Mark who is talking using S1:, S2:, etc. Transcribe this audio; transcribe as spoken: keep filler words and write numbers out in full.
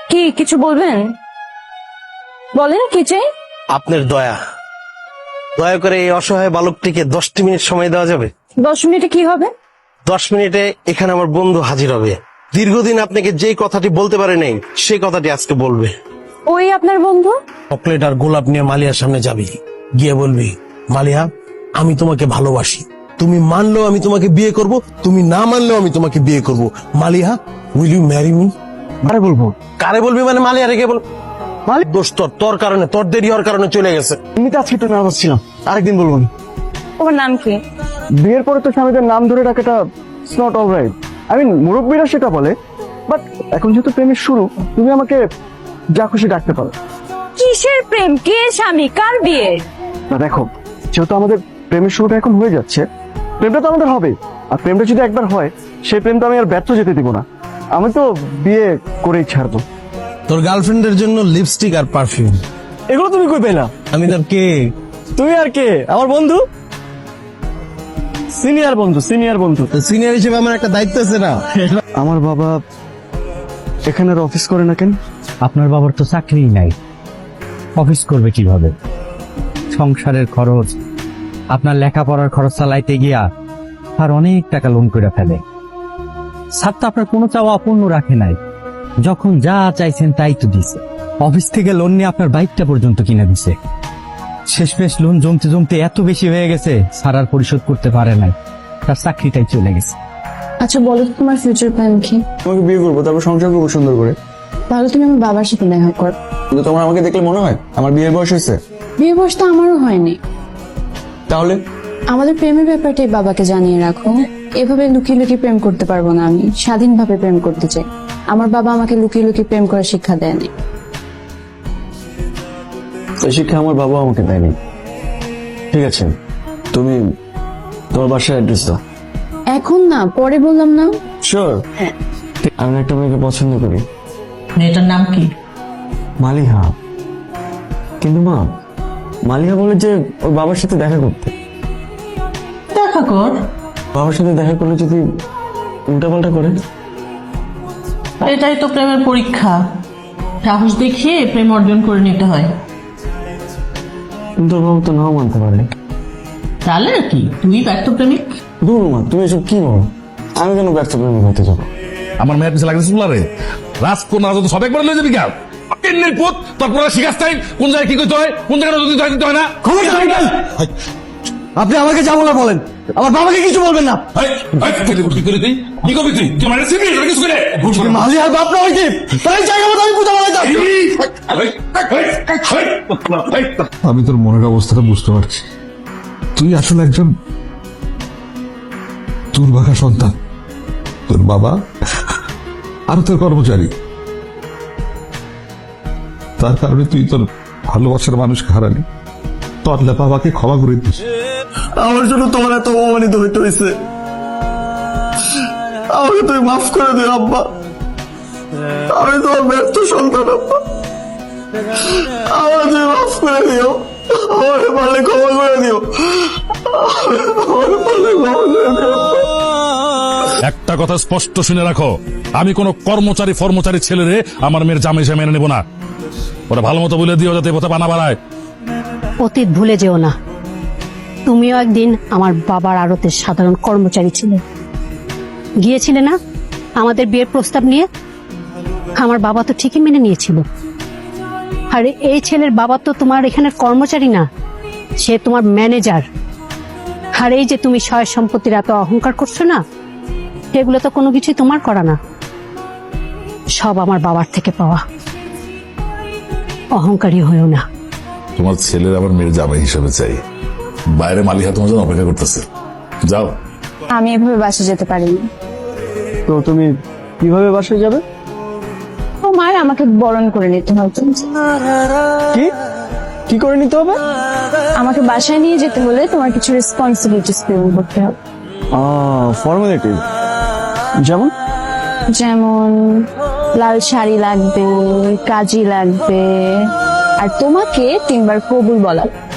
S1: কি কিছু বলবেন? বলেন কি চাই?
S2: আপনার দয়া দয়া করে এই অসহায় বালকটিকে দশটি মিনিট সময় দেওয়া যাবে?
S1: দশ মিনিটে কি হবে?
S2: দশ মিনিটে এখানে আমার বন্ধু হাজির হবে। দীর্ঘদিন আপনাকে যেই কথাটি বলতে পারে নাই সেই কথাটি আজকে বলবে।
S1: ওই আপনার বন্ধু?
S2: চকলেট আর গোলাপ নিয়ে মালিয়ার সামনে যাবি, গিয়ে বলবি, মালিয়া আমি তোমাকে ভালোবাসি, তুমি মানলেও আমি তোমাকে বিয়ে করব, তুমি না মানলেও আমি তোমাকে বিয়ে করব। Malia will you marry me? কারে বলবো? কারে বলবি মানে মালিয়া রেখে বল। মালিক দোষ তোর, তোর কারণে, তোর দেরি হওয়ার কারণে চলে গেছে।
S3: এমনিতে আজকে একটু নার্ভাস ছিলাম, আরেকদিন বলবো না।
S1: ওর নাম কি?
S3: বিয়ের পরে তো স্বামীদের নাম ধরে ডাকাটা it's not alright. I mean মুরব্বীরা সেটা বলে, বাট এখন যেহেতু প্রেমের শুরু, তুমি আমাকে যা খুশি ডাকতে পারো।
S1: কিসের প্রেম? কে স্বামী? কার বিয়ে?
S3: না দেখো, যেহেতু আমাদের প্রেমের শুরুটা এখন হয়ে যাচ্ছে, প্রেমটা তো আমাদের হবে। আর প্রেমটা যদি একবার হয়, সেই প্রেম তো আমি আর ব্যর্থ যেতে দিব না। আমি তো বিয়ে করেই ছাড়বো।
S2: তোর গার্লফ্রেন্ডের জন্য লিপস্টিক আর পারফিউম,
S3: এগুলো তুমি কই পেলা?
S2: আমি তার কে?
S3: তুমি আর কে? আমার বন্ধু, সিনিয়র বন্ধু, সিনিয়র বন্ধু।
S2: সিনিয়র হিসেবে আমার একটা দায়িত্ব আছে না?
S3: আমার বাবা এখানে আর অফিস করে না কেন?
S4: আপনার বাবার তো চাকরিই নাই, অফিস করবে কিভাবে? সংসারের খরচ, আপনার লেখাপড়ার খরচ চালাইতে গিয়া আর অনেক টাকা লোন করে ফেলে। স্যার তো আপনার কোনো চাওয়া অপূর্ণ রাখে নাই, যখন যা চাইছেন তাই তো দিছে। অফিস থেকে লোন নিয়ে আপনার বাইকটা পর্যন্ত কিনে দিছে। শেষমেশ লোন জমতে জমতে এত বেশি হয়ে গেছে, স্যার আর পরিশোধ করতে পারে নাই, তার চাকরিটাই চলে গেছে।
S5: আচ্ছা বলো তো তোমার ফিউচার প্ল্যান কি?
S3: তোমাকে বিয়ে করবো, তারপর সংসার করবো সুন্দর করে।
S5: তাহলে তুমি আমার বাবার সাথে দেখা কর।
S3: কিন্তু তোমার আমাকে দেখলে মনে হয় আমার বিয়ের বয়স হয়েছে?
S5: বিয়ে বয়স তো আমারও হয়নি।
S3: তাহলে
S5: আমাদের প্রেমের ব্যাপারটাই বাবাকে জানিয়ে রাখো। এভাবে লুকিয়ে লুকিয়ে প্রেম করতে পারবো না, আমি স্বাধীনভাবে প্রেম করতে চাই। আমার বাবা আমাকে লুকিয়ে লুকিয়ে প্রেম করার শিক্ষা দেয়নি।
S3: এই শিক্ষা আমার বাবা আমাকে দেয়নি। ঠিক আছে, তুমি তোমার বাসার অ্যাড্রেস দাও।
S5: এখন না, পরে বললাম না।
S3: শিওর। আমি একটা মেয়েকে পছন্দ করি।
S6: মেয়েটার নাম কি?
S3: মালিহা। কিন্তু মা, মালিহা বলে যে ওর বাবার সাথে দেখা করতে।
S6: দেখা কর।
S3: বাবার সাথে দেখা করলে যদি উল্টাপাল্টা করে?
S6: এটাই তো প্রেমের পরীক্ষা, সাহস দেখিয়ে প্রেম অর্জন করে নিতে হয়।
S3: কিন্তু ওর বাবা তো নাও মানতে পারে।
S6: তাহলে কি তুই ব্যর্থ প্রেমিক?
S3: দূর মা, তুমি এসব কি বলো? আমি কেন ব্যর্থ প্রেমিক হতে যাবো?
S7: আমার মেয়ের পিছনে লাগছে চুলারে রাজকন্যা রাজা তো সব একবার লয়ে যাবি কেন? কেন্নের পুত তোর পড়া শিখাস তাই কোন জায়গায় কি করতে হয়, কোন জায়গায় নদী দিতে হয় না।
S3: আপনি আমাকে যা বলার বলেন, আমার বাবাকে কিছু বলবেন না।
S7: হেই, হেই, কি করলি তুই? কি করবি তুই? তুই মানে সিবি এটা কিছু করে
S3: মালিহার বাপ না হয় কি? তাই জায়গা মতো আমি পূজা বানাইতাম।
S8: আমি তোর মনের অবস্থাটা বুঝতে পারছি। তুই আসলে একজন দুর্ভাগা সন্তান। তোর বাবা আর তোর কর্মচারী, তার কারণে তুই তোর ভালোবাসার মানুষকে হারালি। তোর বাবাকে ক্ষমা করে দিস।
S3: আমার জন্য তোমার এত অপমানিত হইতে হয়েছে, আমাকে তুমি মাফ করে দিও আব্বা। আমি তোমার ব্যর্থ সন্তান আব্বা, আমার তুমি মাফ করে দিও। আমার পারলে ক্ষমা করে দিও, আমার পারলে ক্ষমা করে দিও।
S7: একটা কথা স্পষ্ট শুনে রাখো, আমি কোনো কর্মচারী ফর্মচারী ছেলেরে আমার মেয়ের জামাই হিসেবে মেনে নেব না। ওরা ভালো মতো বলে দিও যাতে পথে পানা বাড়ায়।
S9: অতীত ভুলে যেও না, তুমিও একদিন আমার বাবার আড়তের সাধারণ কর্মচারী ছিলে। গিয়েছিলে না আমাদের বিয়ের প্রস্তাব নিয়ে? আমার বাবা তো ঠিকই মেনে নিয়েছিল। আর এই ছেলের বাবা তো তোমার এখানের কর্মচারী না, সে তোমার ম্যানেজার। আর এই যে তুমি সয় সম্পত্তির এত অহংকার করছো না, এগুলো তো কোনো কিছুই তোমার করা না, সব আমার বাবার থেকে পাওয়া। অহংকারী হয়েও না।
S7: তোমার ছেলের আবার মেয়ের জামাই হিসেবে চাই। বাইরে মালিহা তোমার জন্য অপেক্ষা করতেছে, যাও।
S5: আমি এভাবে বাসে যেতে পারি না।
S3: তো তুমি কিভাবে বাসায় যাবে?
S5: তোমার আমাকে বরণ করে নিতে হবে।
S3: কি কি করে নিতে হবে?
S5: আমাকে বাসায় নিয়ে যেতে হলে তোমার কিছু রেসপন্সিবিলিটিস পূরণ করতে হবে।
S3: ফর্মালিটি যেমন?
S5: যেমন লাল শাড়ি লাগবে, কাজি লাগবে, আর তোমাকে তিনবার কবুল বলা।